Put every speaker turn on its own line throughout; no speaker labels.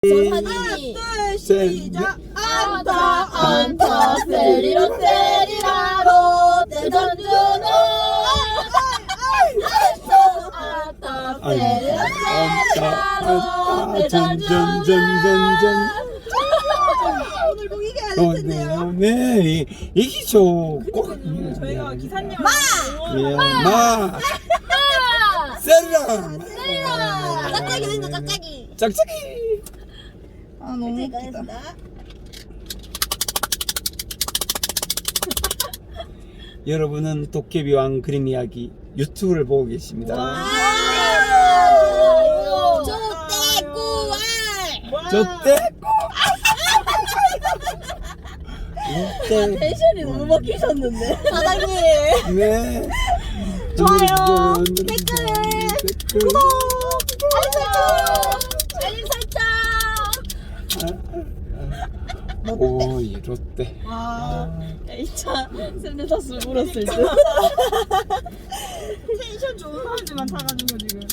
사진이
시작.
안타 세리로 세리라로 대전주노 안타 세리로 세리라로 대전주노
오늘 꼭 이겨야 될 텐데요.
네, 이기죠. 꼭.
저희가 기사님
마. 세리라.
짝짝이 된다 짝짝이
짝짝이.
아 너무 웃기다.
여러분은 도깨비왕 그림 이야기 유튜브를 보고 계십니다. 저때
텐션이 너무 바뀌셨는데 사장님
네.
좋아요,
댓글
구독 알림 설정
오, 이 롯데.
아
1차 샌드사스 물었을 때
텐션 좋은 사람들만 타가지고 지금.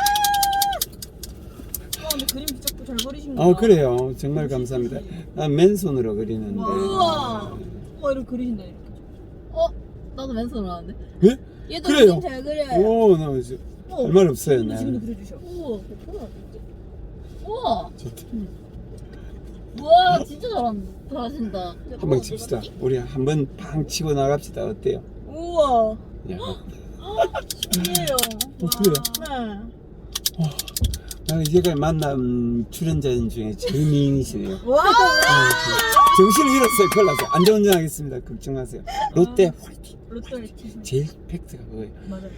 근데 그림 진짜 잘 그리신 거.
그래요. 정말 감사합니다. 난 맨손으로 그리는데.
우와.
이렇게 그리신다 이렇게.
나도 맨손으로 하는데
예?
얘도
그래요.
그림 잘 그려요
오, 나 이제 할 말 없어요.
지금도
네.
그려주셔.
우와 우와
좋다.
우와 진짜 잘하신다
한번 칩시다. 우리 한번 팡 치고 나갑시다. 어때요?
우와.
야,
신기해요.
그래요?
네.
나 이제까지 만난 출연자 중에 제일 미인이시네요.
와.
정신을 잃었어요. 큰일 났어요. 안전운전하겠습니다. 걱정 마세요. 롯데 화이팅.
롯데 화이팅.
제일 팩트가 그거예요.
맞아요.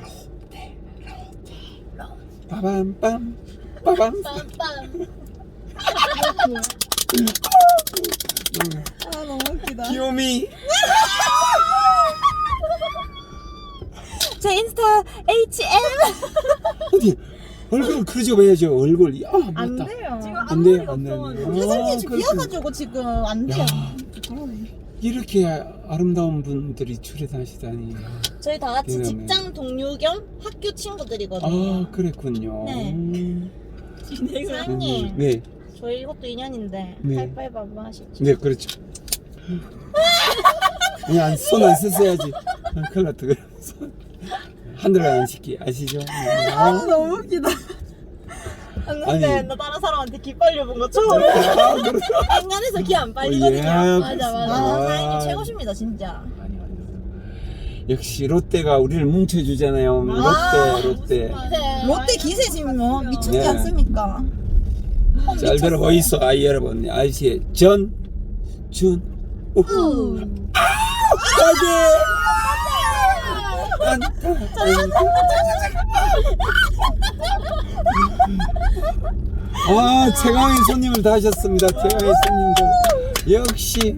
빠밤빰 빠밤.
빰빰
아 너무 웃기다.
귀요미.
제 인스타 HM.
어디 얼굴 그러지 봐야죠. 얼굴.
안
맞다.
돼요. 지금
안 돼요.
앞머리가
안 돼요.
없어가지고.
아,
화장지
그렇구나.
비어가지고 지금 안 돼요.
야, 이렇게 아름다운 분들이 출연하시다니.
저희 다 같이
대단해.
직장 동료 겸 학교 친구들이거든요.
아, 그랬군요.
네. 사장님,
네,
저희 이것도 인연인데
네.
하이파이브 하시죠.
네, 그렇죠. 그냥 손 안 쓰셔야지. 큰일 났다. 그럼 손 하늘 안 시키 아시죠?
너무 웃기다. 근데
아니.
나 다른 사람한테 기 빨려본 거 처음이야. 인간에서 기 안 빨리거든요.
맞아.
사장님 최고십니다 진짜.
역시 롯데가 우리를 뭉쳐주잖아요. 롯데.
롯데 기세 지금 뭐 미쳤지
네.
않습니까?
잘 들어보이소, 아이 여러분. 아저씨의 전, 준, 우. 아, 최강의 손님을 다 하셨습니다. 최강의 손님들. 역시.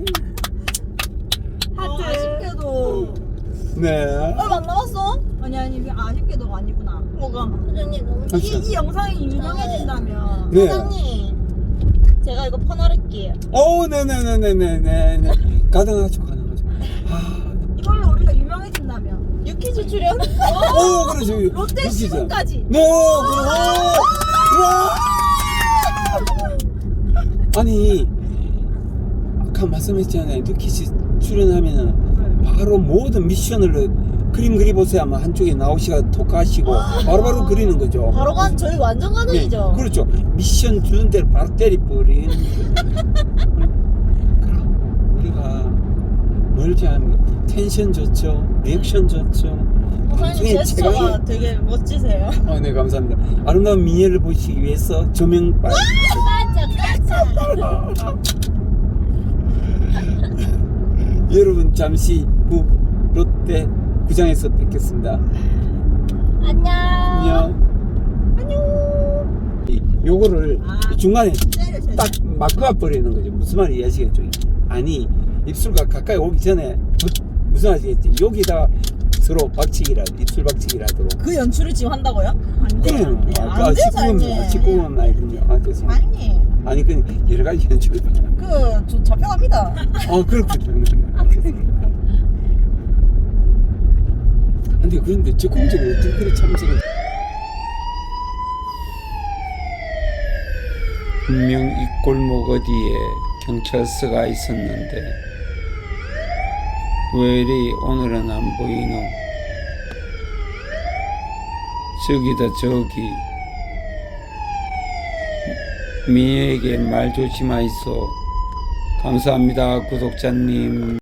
하트. 아쉽게도.
네.
얼마 안 남았어? 아니 이게 아쉽게도 아니구나. 뭐가?
사장님 너무
이 영상이 유명해진다면.
네.
사장님, 제가 이거 퍼나를게요.
오, 네네네네네네. 가능하죠. 아,
이걸로 우리가 유명해진다면. 유퀴즈 출연.
오, 그러죠.
롯데
웃기죠.
시즌까지.
네, 와! 아니, 아까 말씀했잖아요. 뉴키즈 출연하면은 바로 모든 미션을 그림 그리보세요 하면 한쪽에 나오시가 토크하시고 바로바로 그리는 거죠.
바로 저희 완전 가능이죠.
네, 그렇죠. 미션 주는 대로 바로 때리버리는 그럼 우리가 뭘 잘하면 텐션 좋죠. 리액션 좋죠.
사장님
방송의
제스처가 되게 멋지세요.
네, 감사합니다. 아름다운 미녀를 보시기 위해서 조명빨. 여러분 잠시 후 롯데 구장에서 뵙겠습니다.
안녕
안녕. 요거를 중간에 딱 마크가 버리는 거죠. 무슨 말인지 아시겠죠? 아니 입술과 가까이 오기 전에 무슨 아시겠지? 여기다 서로 박치기라 입술 박치기라도록.
그 연출을 지금 한다고요? 안 돼요.
그래요.
안 돼요, 사장님.
19금 아니군요. 죄송합니다.
아니,
아니 그 여러 가지 연출을.
저 잡혀갑니다.
그렇군요. 근데 그런데 저 공작을 어떻게 그래 참석을 분명 이 골목 어디에 경찰서가 있었는데 왜 이리 오늘은 안 보이노? 저기다 저기. 미애에게 말 조심하이소. 감사합니다 구독자님.